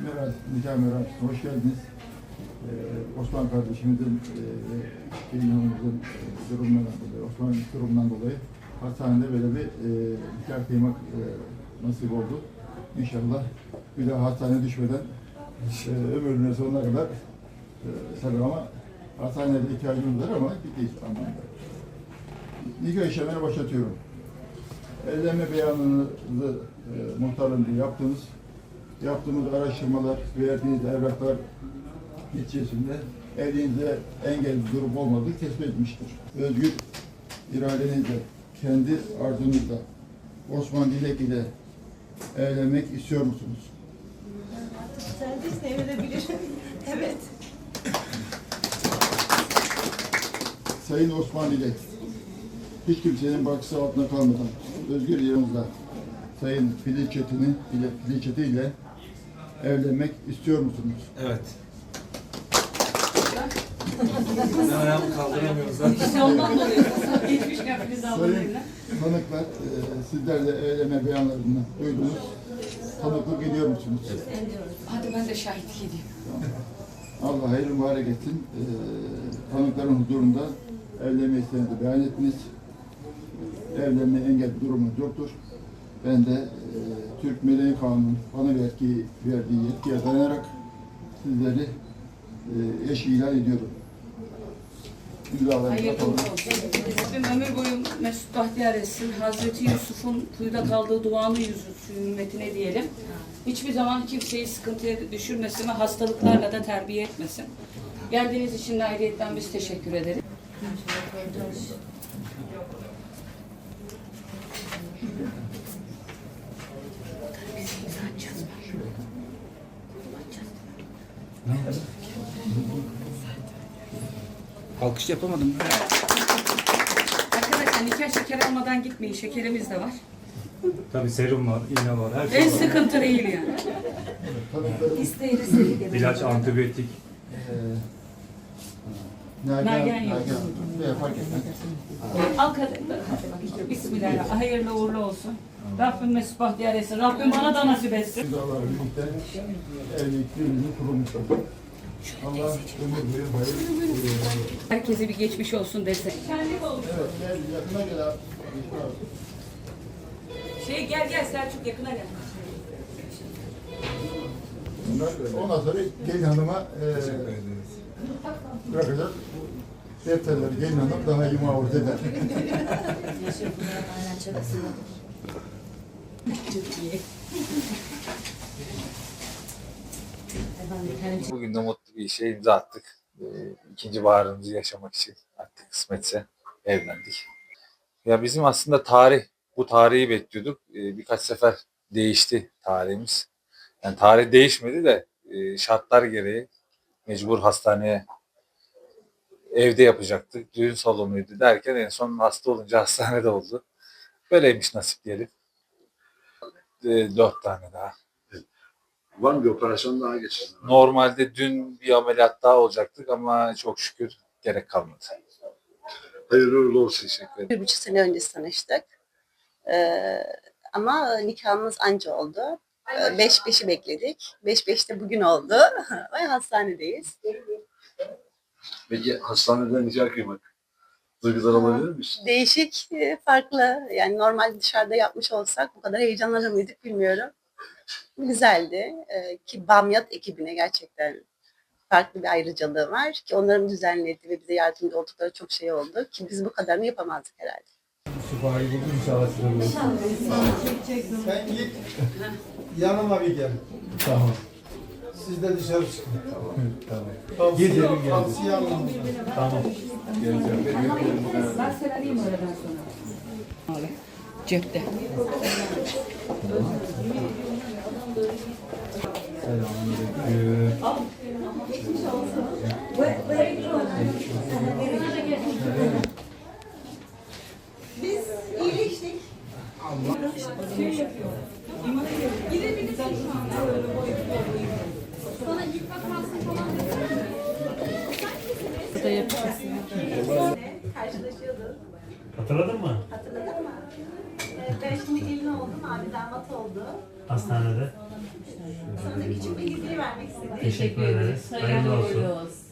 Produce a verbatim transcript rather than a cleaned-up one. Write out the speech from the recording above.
Meral, nikah merasimine hoş geldiniz. Ee, Osman kardeşimizin, e, Gelin Hanım'ın e, durumundan dolayı, Osman'ın durumundan dolayı hastanede böyle bir e, nikah kıymak e, nasip oldu. İnşallah bir daha hastaneye düşmeden e, ömrünün sonuna kadar e, tabii ama hastanede ihtiyacımız var ama gittiğiz anlamda. Nikah işlemine başlatıyorum. Evlenme beyanınızı e, muhtarlığında yaptınız. Yaptığımız araştırmalar, verdiğiniz evraklar neticesinde evliliğinizde engel bir durum olmadığı tespit etmiştir. Özgür iradenizle, kendi arzunuzla Osman Dilek ile evlenmek istiyor musunuz? Servis evlenebilir. Evet. Sayın Osman Dilek, hiç kimsenin bakısı altında kalmadan özgür iranınızla Sayın Filiz Çetin'i ile Filiz Çetin ile evlenmek istiyor musunuz? Evet. Ben ayağımı kaldıramıyorum zaten. İşte ondan dolayı. Geçmişken Filiz Sayın ablayla. tanıklar, e, sizler de evlenme beyanlarını duydunuz. Tanıklık ediyor musunuz? Evet. Hadi ben de şahitlik edeyim. Allah hayırlı mübarek etsin. E, tanıkların huzurunda evlenme isteğinizi beyan ettiniz. Evlenme engel bir durumunuz yoktur. Ben de e, Türk Meleği Kanunu'nun bana verdiği, verdiği yetkiye dayanarak sizleri e, eş ilan ediyorum. İmzalarınızı Hayırlı atalım. olsun. Rabbim ömür boyu mesut bahtiyar etsin. Hazreti Yusuf'un kuyuda kaldığı duanı yüzü hürmetine diyelim. Hiçbir zaman kimseyi sıkıntıya düşürmesin ve hastalıklarla da terbiye etmesin. Geldiğiniz için de ayrıyetten biz teşekkür ederiz. Alkış yapamadım. Arkadaşlar nikah şekeri almadan gitmeyin. Şekerimiz de var. Tabii serum var, iğne var, her şey En var. sıkıntı değil yani. Tanıkların İlaç, antibiyotik. e, Nagihan, Nagihan yok. Nagihan, veya fark etmez. Al kadınlar. Bismillah. Hayırlı uğurlu olsun. Rabbim mesut bahtiyar etsin. Rabbim bana da nasip etsin. İmzalarla birlikte evlilik birliğini kurulmuşlar. Allah ömür boyu hayır. e, Herkese bir geçmiş olsun desek. Kendi olsun. Evet, gel yakına gel abi. Şey gel gel Selçuk yakına gel. Bunlar- Ondan sonra gelin hanıma e, bırakacağız. Defterleri gelin hanım daha iyi muhafaza eder. Bugün de mutlu bir işe imza attık. Ee, ikinci baharımızı yaşamak için artık kısmetse evlendik. Ya bizim aslında tarih, bu tarihi bekliyorduk. Ee, birkaç sefer değişti tarihimiz. Yani tarih değişmedi de e, şartlar gereği mecbur hastaneye evde yapacaktık. Düğün salonuydu derken en son hasta olunca hastanede oldu. Böyleymiş nasip diyelim. Ee, dört tane daha. Var mı bir operasyon daha geçsin? Normalde dün bir ameliyat daha olacaktık ama çok şükür gerek kalmadı. Hayırlı uğurlu olsun. Teşekkür ederim. Bir buçuk sene önce tanıştık. Ee, ama nikahımız anca oldu. Ee, beş beşi bekledik. Beş beşte bugün oldu. Ve hastanedeyiz. Peki hastaneden nikah kıymak. Duygular alabilir misin? Değişik, e, farklı. Yani normal dışarıda yapmış olsak bu kadar heyecanlanır mıydık bilmiyorum. Güzeldi. Ee, ki Bamyat ekibine gerçekten farklı bir ayrıcalığı var. Ki onların düzenlediği ve bize yardımcı oldukları çok şey oldu. Ki biz bu kadarını yapamazdık herhalde. Şifayı buldum inşallah size bulursun. Sen git, yanıma bir gel. Tamam. Siz de dışarı çıkın. Tamam. Tamam. Tavsiye, Gidelim geldim. tavsiye alın. Tamam. Geleceğim. Ben severeyim öğleden sonra. Cepte. Selamünaleyküm. Biz iyileştik. Karşılaşıyorduk. Hatırladın mı? Hatırladın mı? Ee, ben şimdi gelin oldum, abi damat oldu. Hastanede. Sonra da küçük bir geziye Teşekkür ederiz. Hayırlı olsun.